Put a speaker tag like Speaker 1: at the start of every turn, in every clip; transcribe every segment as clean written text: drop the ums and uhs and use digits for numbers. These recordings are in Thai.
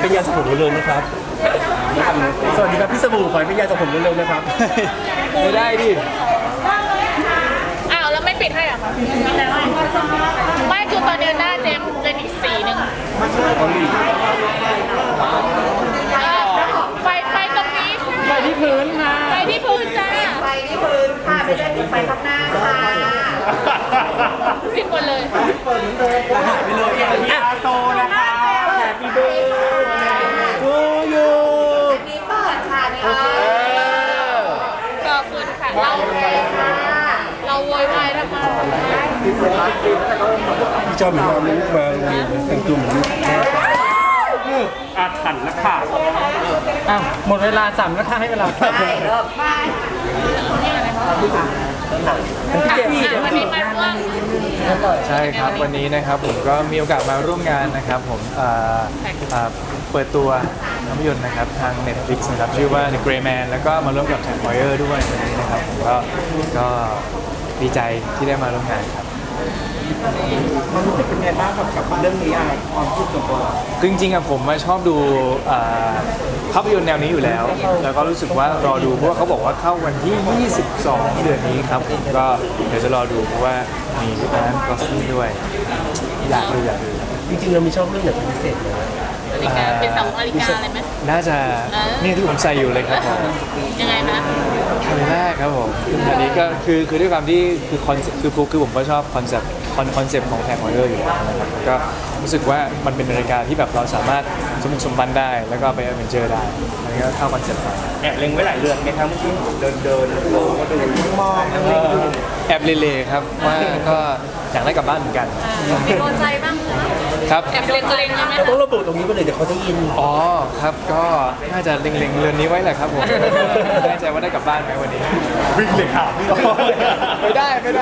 Speaker 1: เป็นยาสระผมเร็วๆนะครับสวัสดีครับพี่สบู่ขอให้เป็นยาสระผมเร็วๆนะครับ
Speaker 2: ไม่ได้ดิ
Speaker 3: อ้าวแล้วไม่ปิดให้เหรอคะไม่คือตอนนี้หน้าเจมเป็นอีกสีหนึ่งไฟตรงนี้ไฟที่พื้นค่ะไฟที่พื้นจ้า
Speaker 4: ไฟที่พื้นค่ะไม่ใช่ติดไฟข้างหน้าค่ะ
Speaker 3: ปิดหมดเลย
Speaker 1: ไปเลยอ่ะโตนะคะแฮปปี้เบิร์ดทูยู
Speaker 4: มีเปิดค่ะนี่ค่ะ
Speaker 3: ขอบคุณค่ะเราโวยวายทำไม
Speaker 1: พี่ชอบเหมือนเราลูกมาโรงเรียนแต่งตัวเหมือนลูกแม่อาถรรพ์แล้วค่ะอ้าวหมดเวลา3แล้วค่ะให้เวลา
Speaker 4: ได้เริ่มไป
Speaker 3: วันนี้มาร่วม
Speaker 2: ใช่ครับวันนี้นะครับผมก็มีโอกาสมาร่วมงานนะครับผมเปิดตัวภาพยนตร์นะครับทาง Netflix นะครับชื่อว่า The Gray Man แล้วก็มาร่วมกับ Jack Moyer ด้วยวันนี้นะครับผมก็ดีใจที่ได้มาร่วมงานครับ
Speaker 1: มันรู้สึกเป็นไงบ้างกับเรื่องนี้อ่ะความคิดส่วนตัว
Speaker 2: คือจริงๆอะผมมาชอบดูภาพยนตร์แนวนี้อยู่แล้ว แล้วก็รู้สึกว่ารอดูเพราะว่าเขาบอกว่าเข้าวันที่ 22 เดือนนี้ครับผมก็เดี๋ยวจะรอดูเพราะว่ามีร้านกอสซี่ด้วยอยากดู
Speaker 1: จริงๆเรามีชอบเรื่องไหนเป็นพิเศษไหม
Speaker 3: นาฬิกาเป็น2นาฬิกาเลยไหม
Speaker 2: น่าจะเนี่ยที่ผมใส่อยู่เลยครับผม
Speaker 3: ยังไงนะ
Speaker 2: ครั้งแรกครับผมอันนี้ก็คือด้วยความที่คือคอนคือผมก็ชอบคอนเซปต์ของแท็กมอเตอร์อยู่แล้วนะครับก็รู้สึกว่ามันเป็นนาฬิกาที่แบบเราสามารถสมบุกสมบันได้แล้วก็ไปแอดเวนเจอร์ได้อันนี้ก็เข้าคอนเซปต์มา
Speaker 1: แอบเล็งไว้หลายเรื่องไหมครับเมื่อกี้เดินโลก็ดูมองนั่งเล่นดู
Speaker 2: แอบเลๆครับว่าก็อยากได้กลับบ้านเหมือนกัน
Speaker 3: มีโดนใจบ้าง
Speaker 2: ครับ
Speaker 3: แอบเล็งๆใช่ไหม
Speaker 1: เราต้องระบุตรงนี้ไปเลยเดี๋ยวเขาจะยิน
Speaker 2: อ๋อครับก็น่าจะเล็งๆเรือนนี้ไว้แหละครับผมไม่แน่ใจว่าได้กลับบ้านไหมวันนี้
Speaker 1: วิ่งเลยค่ะ
Speaker 2: ไม่ได้วัน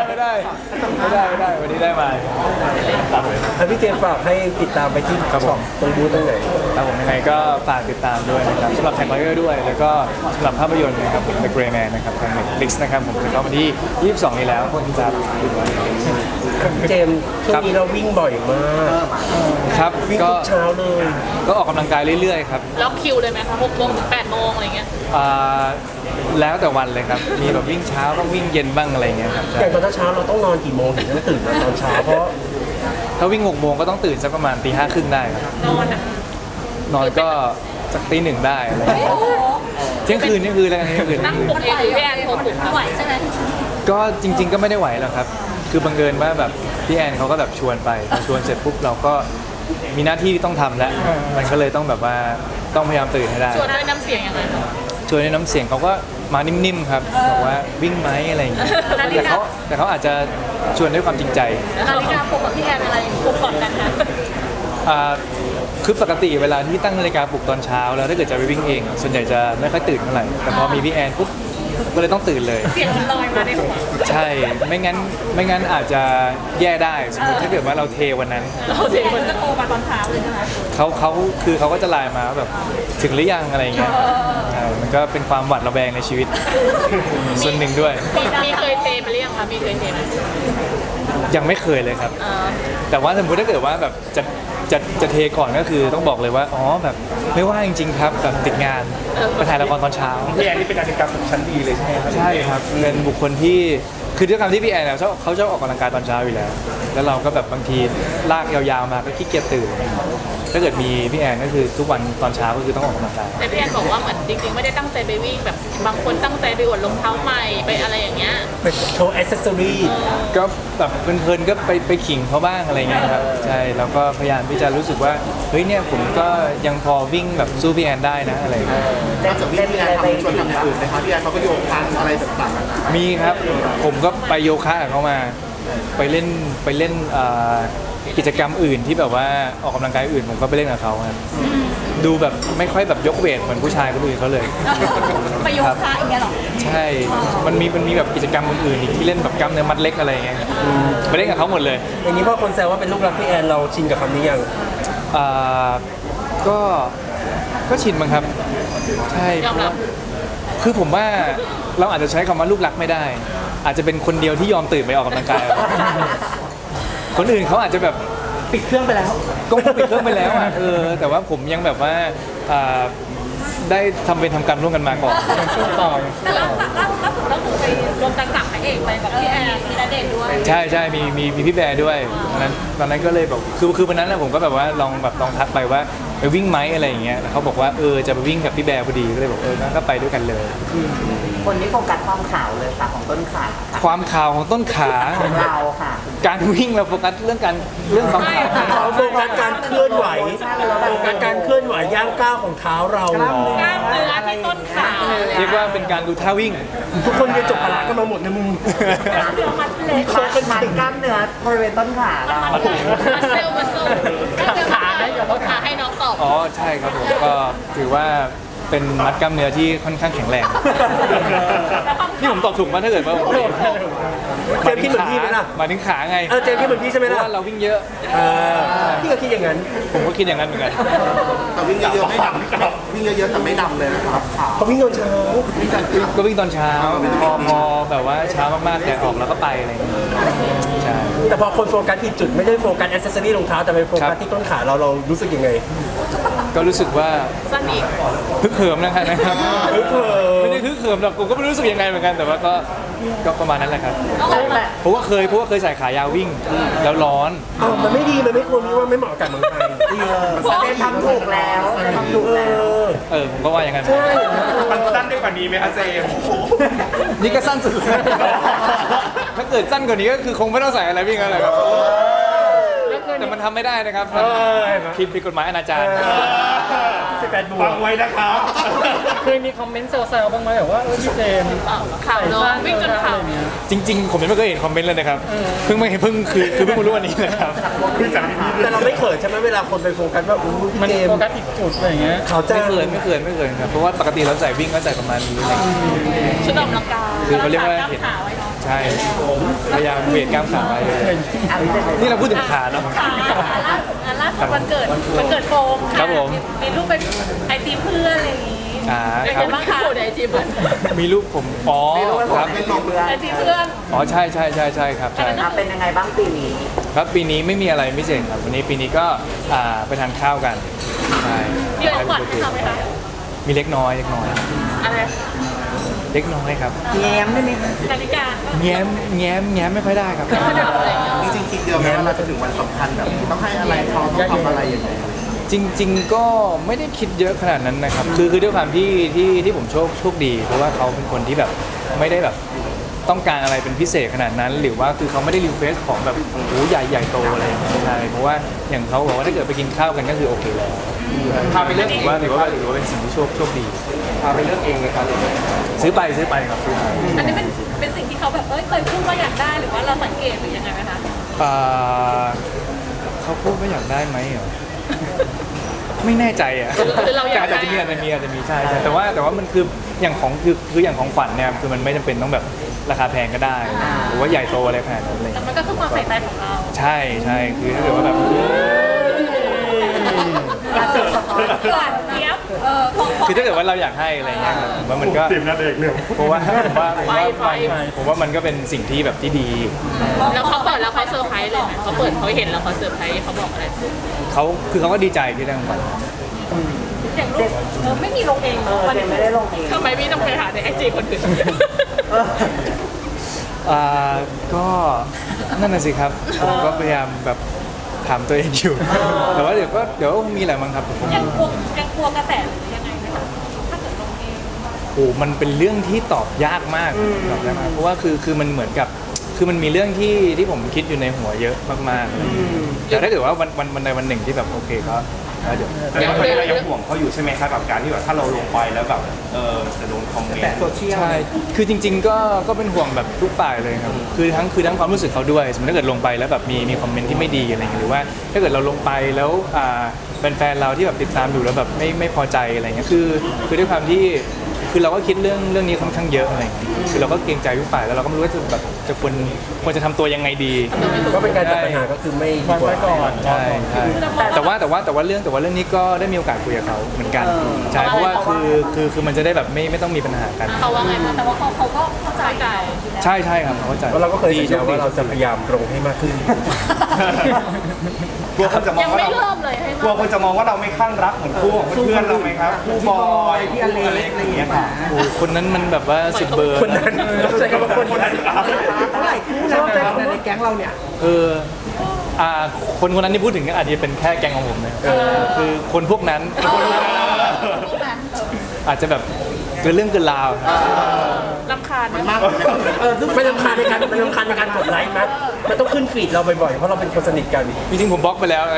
Speaker 2: นี้ได้มา
Speaker 1: แล้วพี่เจมส์ฝากให้ติดตามไปที่ช็อปตรงบูธตรงไหน
Speaker 2: ครับผมยังไงก็ฝากติดตามด้วยนะครับสำหรับแท็กไลเออร์ด้วย แล้วก็สำหรับภาพยนตร์นะครับผม The Gray Man นะครับทาง Netflix นะครับผมจะเข้ามาที่ 22 นี้แล้วคนจะ
Speaker 1: พี่เจมส์ช่วงนี้เราวิ่งบ่อยมาก
Speaker 2: ครับ
Speaker 1: วิ่ง
Speaker 2: ก็
Speaker 1: ทุกเช้าเลย
Speaker 2: ก็ออกกำลังกายเรื่อยๆครับ
Speaker 3: ล็อกคิวเลยไหมคะ6 โมงถึง 8 โมงอะไรเงี้ย
Speaker 2: อ่าแล้วแต่วันเลยครับ มีแบบวิ่งเช้าบ้างวิ่งเย็นบ้างอะไรอย่างเงี้ยครับ
Speaker 1: อย่างตอนเช้าเราต้องนอนกี่โมงถึงจะตื่นมาตอนเช้าเพราะ
Speaker 2: ถ้าวิ่ง 6 โมงก็ต้องตื่นสักประมาณตี 5 ครึ่งได้ครับ
Speaker 3: นอนอ่ะ
Speaker 2: นอนก็สักตี 1ได้อะไรอย่างเงี้ยเที่ยงคืนแล้วกันเที่ยงคืน
Speaker 3: ตั้งปลุกเองหรือพี่แอนโทรปลุกไหวใช่ไหม
Speaker 2: ก็จริง ๆ ก็ไม่ได้ไหวหรอกครับ คือบังเอิญว่าแบบพี่แอนเขาก็แบบชวนไปพอชวนเสร็จปุ๊บเราก็มีหน้าที่ที่ต้องทำแล้ว มันก็เลยต้องแบบว่าต้องพยายามตื่นให้ได้
Speaker 3: ชวนด้วยน้ำเสียงยังไงคะ
Speaker 2: ชวนในน้ำเสียงเขาก็มานิ่มๆครับบอกว่าวิ่งไหมอะไรอย่างเงี้ย
Speaker 3: นาฬิกา
Speaker 2: แต่เขาอาจจะชวนด้วยความจริงใจ
Speaker 3: นาฬิกาปลุกกับพี่แอนอะไรปลุกก่อนกันคะ
Speaker 2: อ่าคือปกติเวลาที่ตั้งนาฬิกาปลุกตอนเช้าแล้วถ้าเกิดจะไปวิ่งเอง ส่วนใหญ่จะไม่ค่อยตื่นเท่าไหร่แต่พอมีพี่แอนปุ๊บก็เลยต้องตื่นเลย
Speaker 3: เสียงมันลอยมาในหัว
Speaker 2: ใช่ไม่งั้นอาจจะแย่ได้สมมติถ้าเกิดว่าเราเทวันนั้น
Speaker 3: เราเด็กมันจะโทรมาตอนเช้าเลยใช่ไหม
Speaker 2: เขาก็จะไลน์มาว่าแบบถึงหรือยังอะไรอย่างเงี้ยใช่มันก็เป็นความหวาดระแวงในชีวิต ส่วนหนึ่งด้วย
Speaker 3: มีเคยเทมาหรือยังคะมีเคยเทไหม
Speaker 2: ยังไม่เคยเลยครับ แต่ว่าสมมติถ้าเกิดว่าแบบจะเทก่อนก็คือต้องบอกเลยว่าอ๋อแบบไม่ว่างจริงๆครับแบบติดงานไปถ่ายละครตอนเช้า
Speaker 1: พี่แอนนี่เป็นนาฬิกาปลุกชั้นดีเลยใช่ไหมครับ
Speaker 2: ใช่ครับเป็นบุคคลที่คือด้วยความที่พี่แอนเนี่ยเขาชอบออกกำลังกายตอนเช้าอยู่แล้ว แล้วเราก็แบบบางทีลากยาวๆมาก็ขี้เกียจตื่น ถ้าเกิดมีพี่แอนก็คือทุกวันตอนเช้าก็คือต้องออกกำลังกาย
Speaker 3: แต่พี่แอนบอกว่าเหมือนจริงๆไม่ได้ตั้งใจไปวิ่งแบบบางคนตั้งใจไปอวดรองเท้าใหม่ไปอะไรอย่างเงี้ย
Speaker 1: เป็นโชว์แอคเซสซอรี่
Speaker 2: ก็แบบเพลินๆก็ไปขิงเขาบ้างอะไรเงี้ยครับใช่แล้วก็พยายามที่จะรู้สึกว่าเฮ้ยเนี่ยผมก็ยังพอวิ่งแบบสู้พี่แอนได้นะอะไรเงี้ย
Speaker 4: จะเล่นอะไรไปชวนทำอย่างอื่นไหมคะพี่แอนเขาก็โยคะอะไรต่างๆ
Speaker 2: มีครับผมก็ไปโยคะกับเขามาไปเล่นกิจกรรมอื่นที่แบบว่าออกกำลังกายอื่นผมก็ไปเล่นกับเขาครับดูแบบไม่ค่อยแบบยกเวทเหมือนผู้ชายคนอื่นเขาเลย
Speaker 3: ไปโยคะอย่างเงี้ยหรอ
Speaker 2: ใช่มันมีแบบกิจกรรมอื่นๆอีกที่เล่นแบบกล้ามเนื้อมัดเล็กอะไรอย่างเงี้ยครับไปเล่นกับเขาหมดเลย
Speaker 1: อย่างนี้พอคนแซวว่าเป็นลูกรักพี่แอนเราชินกับคำนี้ยัง
Speaker 2: อ่าก็ชินมั้งครับใช่
Speaker 3: ยอมรับ
Speaker 2: คือผมว่าเราอาจจะใช้คำว่าลูกรักไม่ได้ อาจจะเป็นคนเดียวที่ยอมตื่นไปออกกำลังกาย คนอื่นเขาอาจจะแบบ
Speaker 1: ปิดเครื่องไปแล้ว
Speaker 2: ก็ปิดเครื่องไปแล้วอ่ะแต่ว่าผมยังแบบว่าได้ทำการร่วมกันมาก่อน
Speaker 1: ต่อ
Speaker 3: แต่ล่าสุดก็คือไปรวมกันกับพระเอกไปแบบพี่แอนมีณเดชน์ด้วย
Speaker 2: ใช่มีพี่แบร์ด้วยตอนนั้นก็เลยแบบคือวันนั้นนะผมก็แบบว่าลองทักไปว่าไปวิ่งไหมอะไรอย่างเงี้ยแล้วเขาบอกว่าจะไปวิ่งกับพี่แบร์พอดีก็เลยบอกงั้นก็ไปด้วยกันเลย
Speaker 5: คนนี้โฟกัสความขาวเลยค่ะของต้นขาค่ะ
Speaker 2: ความขาวของต้นขา
Speaker 5: ของเราค่ะ
Speaker 2: การวิ่งเราโฟกัสเรื่องความขาว
Speaker 6: เขาโฟกัสการเคลื่อนไหวโฟกัสการเคลื่อนไหวย่างก้าวของเท้าเรา
Speaker 3: กล้ามเนื้อที่ต้นขา
Speaker 2: เรียกว่าเป็นการดูท่าวิ่ง
Speaker 6: ทุกคนเรียนจบพละกันมาหมดในมุม
Speaker 3: กล้ามเนื้อมัดเล็ก
Speaker 5: มัดกล้ามเนื้อบริเวณต้นขาเรา
Speaker 3: มัดเซลล์ขาให้เดี๋ยวเขาขาให้น้องตอบ
Speaker 2: อ๋อใช่ครับผมก็ถือว่าเป็นมัดกล้ามเนื้อที่ค่อนข้างแข็งแรงนี่ผมตอบถูกมั้ยถ้าเกิดว่าผม
Speaker 6: เจมส์คิดเหมือนพี่ไหมล่ะ
Speaker 2: มาถึงขาไง
Speaker 6: เจมส์คิดเหมือนพี่ใช่ไหม
Speaker 2: เพราะ
Speaker 6: ล่ะ
Speaker 2: ว่าเราวิ่งเยอะ
Speaker 6: พี่ก็คิดอย่างนั้น
Speaker 2: ผมก็คิดอย่างนั้นเหมือนกัน
Speaker 4: แต่วิ่งเยอะๆไม่ดำวิ่งเยอะๆแต่ไม่ดำเลยนะครับขาว
Speaker 6: เขาวิ่งตอนเช้า
Speaker 2: ก็วิ่งตอนเช้าพอแบบว่าเช้ามากๆแดดออกแล้วก็ไปอะไรอย่างเงี้ยใช่
Speaker 6: แต่พอคนโฟกัสผิดจุดไม่ได้โฟกัสแอคเซสซอรี่รองเท้าแต่ไปโฟกัสที่ต้นขาเรารู้สึกยังไง
Speaker 2: ก็รู้สึกว่า
Speaker 3: สั้นอีก
Speaker 2: ฮึกเหิมนะครับไม่ได้ฮึกเหิมหรอกผมก็ไม่รู้สึกยังไงเหมือนกันแต่ว่าก็ประมาณนั้นแหละครับเพราะว่าเคยใส่ขายาววิ่งแล้วร้อน
Speaker 6: มันไม่ดีมันไม่ควรมีว่าไม่เหมาะกับเมืองไทย
Speaker 5: เจมทำถูกแล้วทำถูกแล้ว
Speaker 2: ผมก็ว่าอย่างนั้น
Speaker 1: มันสั้นได้กว่านี้ไหมคะเจม
Speaker 2: นี่ก็สั้นสุดถ้าเกิดสั้นกว่านี้ก็คือคงไม่ต้องใส่อะไรวิ่งอะไรครับแต่มันทำไม่ได้นะครับผิดกฎหมายอนาจาร
Speaker 1: ฟังไว้นะครับเคยมีคอมเมนต์แซวๆบ้างไหมแบบว่าพี่เจม
Speaker 3: ข่าวน้องวิ่งจนข่าว
Speaker 2: จริงๆผมยังไม่เคยเห็นคอมเมนต์เลยนะครับเพิ่งมารู้วันนี้นะครับ
Speaker 6: แต่เราไม่เขินใช่ไหมเวลาคนไปโฟกัสว่าพี่
Speaker 1: มัน
Speaker 6: เจม
Speaker 1: โฟกัสผิดจุดอะไรอย่างเงี้ย
Speaker 6: เขาจะ
Speaker 2: ไม่เคยครับเพราะว่าปกติเราใส่วิ่งก็ใส่ประมาณนี้เลย
Speaker 3: ชุดออกกำลังกาย
Speaker 2: คือเขาเรียกว่า
Speaker 3: เห็นขาไว้เนาะ
Speaker 2: ใช่พยายามเวทกล้ามขาไว้เลยนี่เราพูดถึงขาเนาะ
Speaker 3: ล่าสุดวันเกิดโฟมค่ะ
Speaker 2: ครับผม
Speaker 3: มีรูปเป็นไอจีเพื่อนอะไรอย่างงี้เป็น
Speaker 2: ครั
Speaker 3: ไงบ้างคะไอจีเพื่อน
Speaker 2: มีรูปผมครับ
Speaker 3: ไอจีเพื่อน
Speaker 2: ใช่ครับใช่
Speaker 5: เป็นยังไงบ้างปีนี้
Speaker 2: ครับปีนี้ไม่มีอะไรพิเศษครับวันนี้ปีนี้ก็ไปทานข้าวกันใช่
Speaker 3: มีของขวัญให้เราไหมคะ
Speaker 2: มีเล็กน้อย
Speaker 3: อะไร
Speaker 2: เล็กน้อยครับ
Speaker 5: แย้มได้ไหมคะ
Speaker 3: นาฬิกา
Speaker 2: แง้มไม่ค่อยได้ครับ
Speaker 4: จริงๆคิดเยอะไหมว่าเราจะถึงวันสำคัญแบบนี้ต้องให้อะไรเขาต้องทำอะไรอย่างเงี้ย
Speaker 2: จริงๆก็ไม่ได้คิดเยอะขนาดนั้นนะครับคือด้วยความที่ผมโชคดีเพราะว่าเขาเป็นคนที่แบบไม่ได้แบบต้องการอะไรเป็นพิเศษขนาดนั้น หรือว่าคือเขาไม่ได้รีเควสของแบบโอ้ใหญ่โตอะไรอย่างเงี้ยใช่เพราะว่าอย่างเขาบอกว่าถ้าเกิดไปกินข้าวกันก็คือโอเคแล้วพาไปเลือกถือว่าเป็นสิ่งที่โชคดีพาไปเลือกเองเลยครับซื้อไปครับซื้อไป
Speaker 3: อันนี้เป็นสิ่งที่เขาแบบเคยพูดว่าอยากได้หรือว่าเราสังเกตหรือยังไงไหมคะ
Speaker 2: เขาพูดว่าอยากได้ไหมเหรอ ไม่แน่ใจอ่ะ
Speaker 3: คือเราอยากได้
Speaker 2: อาจจะมีใช่แต่ว่ามันคืออย่างของคืออย่างของขวัญเนี่ยคือมันไม่จำเป็นต้องแบบราคาแพงก็ได้หรือว่าใหญ่โตอะไรขนาดนั้นเลย
Speaker 3: แต่มันก็คือความใส่ใจของเรา
Speaker 2: ใช่คือถ้าเกิดว่าแบบ
Speaker 3: หวานเจี๊ยบ
Speaker 2: คือถ้าเกิดว่าเราอยากให้อะไรเงี้ยครับผมว่ามันก็เพราะว่าผมว่ามันก็เป็นสิ่งที่แบบที่ดี
Speaker 3: แล้วเขาเปิดแล้วเขาเซอร์ไพรส์เลยไหมเขาเปิดเขาเห็นแล้วเขาเซอร์ไพรส์เขาบอกอะไร
Speaker 2: เขาก็ดีใจที่ได้ของขวัญ
Speaker 3: อย่างรูปไม่มีลงเอง
Speaker 5: เจมไม่ได้ลงเอง
Speaker 3: ทำไมพี่ต้องไปหาในไอจีคนอื่น
Speaker 2: ก็นั่นน่ะสิครับผมก็พยายามแบบถามตัวเองอยู่แต่ว่าเดี๋ยวมีอะไรบ้างครับผม
Speaker 3: ยังกลัวกระแสหรือยังไงไหมคะถ้าเกิดลงเอง
Speaker 2: โอ้มันเป็นเรื่องที่ตอบยากมากเพราะว่าคือมันเหมือนกับคือมันมีเรื่องที่ผมคิดอยู่ในหัวเยอะมากๆแต่ถ้าเกิดว่าวันใดวันหนึ่งที่แบบโอเคก็เดี๋ยว
Speaker 1: เรายังห่วงเขาอยู่ใช่ไหมครับกับการที่แบบถ้าเราลงไปแล้วแบบจะโดนคอมเมนต์
Speaker 2: ใช่คือจริงๆก็เป็นห่วงแบบทุกฝ่ายเลยครับคือทั้งความรู้สึกเขาด้วยสมมติถ้าเกิดลงไปแล้วแบบมีคอมเมนต์ที่ไม่ดีอะไรอย่างเงี้ยหรือว่าถ้าเกิดเราลงไปแล้วแฟนเราที่แบบติดตามอยู่แล้วแบบไม่พอใจอะไรเงี้ยคือด้วยความที่คือเราก็คิดเรื่องนี้ค่อนข้างเยอะอะไรอย่างเงี้ยคือเราก็เกรงใจทุกฝ่ายแล้วเราก็ไม่รู้ว่าจะแบบจะควรจะทำตัวยังไงดี
Speaker 6: ก็เป็นการตัดปัญหาก็คือไม่ดีกว่า
Speaker 1: ก่อน
Speaker 2: ใช่แต่ว่าเรื่องนี้ก็ได้มีโอกาสคุยกับเขาเหมือนกันใช่เพราะว่าคือมันจะได้แบบไม่ต้องมีปัญหากัน
Speaker 3: เขาว่าไงคะแต่ว่าเขาก็เข้าใจ
Speaker 2: ใช่ครับเขาเข้าใจ
Speaker 6: แล้วเราก็เคยสัญญาว่าเราจะพยายามลงให้มากขึ้น
Speaker 7: กลัวคนจะมอ
Speaker 3: ยัง ง
Speaker 7: ว่า
Speaker 3: ไม่
Speaker 7: เรา
Speaker 3: เริ่มเลยให้
Speaker 7: กลัวคนจะมองว่าเราไม่ข้างรักเหมือนคู่ของเพื่อนๆเราไหมครับคู่บอยพี่อเล็กอะไรอย่างเงี้ยค่ะ
Speaker 2: โอ้คนนั้นมันแบบว่าสุดเบอร์
Speaker 6: คนนั้นใช้คำว่าคนนั้นเท่าไหร่คู่นะในแก๊งเราเนี่ย
Speaker 2: เออคนคนนั้นที่พูดถึงอาจจะเป็นแค่แกงของผมนะคือคนพวกนั้นอาจจะแบบเกินเรื่องเกินราว
Speaker 3: รำคาญนะ
Speaker 6: ไม่รำคาญในการกดไลค์มั้ยมันต้องขึ้นฟีดเราบ่อยๆ เพราะเราเป็นคนสนิทกัน
Speaker 2: จริงๆผมบล็อกไปแล้ว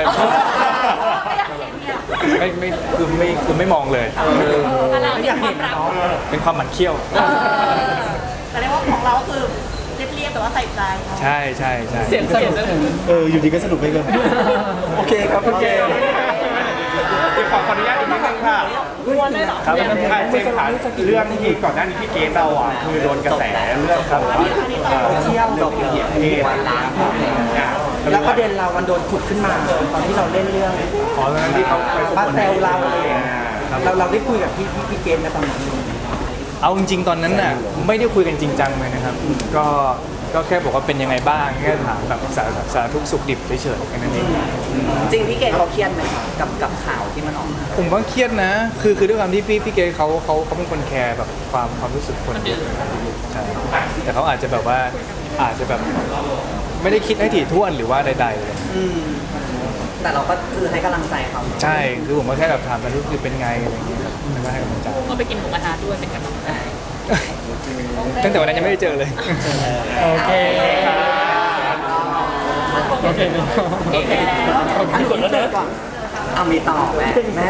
Speaker 2: คือไม่มองเลย
Speaker 3: ไม่อยากเห็นนะ
Speaker 2: เป็นความหมั่นเคี้ยว
Speaker 3: แต่เรียกว่าของเราก็คือเรียบๆแต่ว่าใส่ใจ
Speaker 2: ใช่ใช่ใช่
Speaker 1: เสียงนั่น
Speaker 6: อยู่ดีก็สนุกไปเลยโอเคครับโอเค
Speaker 7: ขออนุญาตอีกนิดนึงค่ะ
Speaker 2: ครับ
Speaker 7: ค่ะเจมส์ค่ะเรื่องที่ก่อนหน้านี้พี่เกณฑ์เราอ่ะคือโดนกระแสเรื่องของว่า
Speaker 5: เที่ยว
Speaker 7: เหยียดเพศ
Speaker 5: แล้วประเด็นเรามันโดนขุดขึ้นมาตอนที่เราเล่นเรื่อง
Speaker 2: ขอตอนนั้นที่เขาไป
Speaker 5: ป้าแซวเราอะไรอย่างเงี้ยเราได้คุยกับพี่เกมในตอนนั้น
Speaker 2: เอาจริงๆตอนนั้นน่ะไม่ได้คุยกันจริงจังเลยนะครับ ก็แค่บอกว่าเป็นยังไงบ้างแค่ถามแบบสารทุกข์สุขดิบเฉยๆแค่นั้นเอง
Speaker 5: จริงพี่เกมเขาเครียดไหมกับข่าวที่มันออกมา
Speaker 2: ผมว่าเครียดนะ คือด้วยความที่พี่เกย์เขาเป็นคนแคร์แบบความรู้สึกคนใช่แต่เขาอาจจะแบบว่าอาจจะแบบไม่ได้คิดให้ถี่ถ้วนหรือว่าใดๆเลย
Speaker 5: แต่เราก็คือให้กำลังใจเขา
Speaker 2: ใช่คือผมก็แค่แบบถามกันรู้สึกเป็นไงอะไรอย่างเงี้ยครับแล้วก็ให้กำลังใจ
Speaker 3: ก็ไปกินหมูกระทะด้วยเป็นกำลังใจ
Speaker 2: ตั้งแต่วันนั้นยังไม่ได้เจอเลย
Speaker 1: โอเคโอเค
Speaker 5: อันนี้เสร็จก่อนเอามีต่อแม่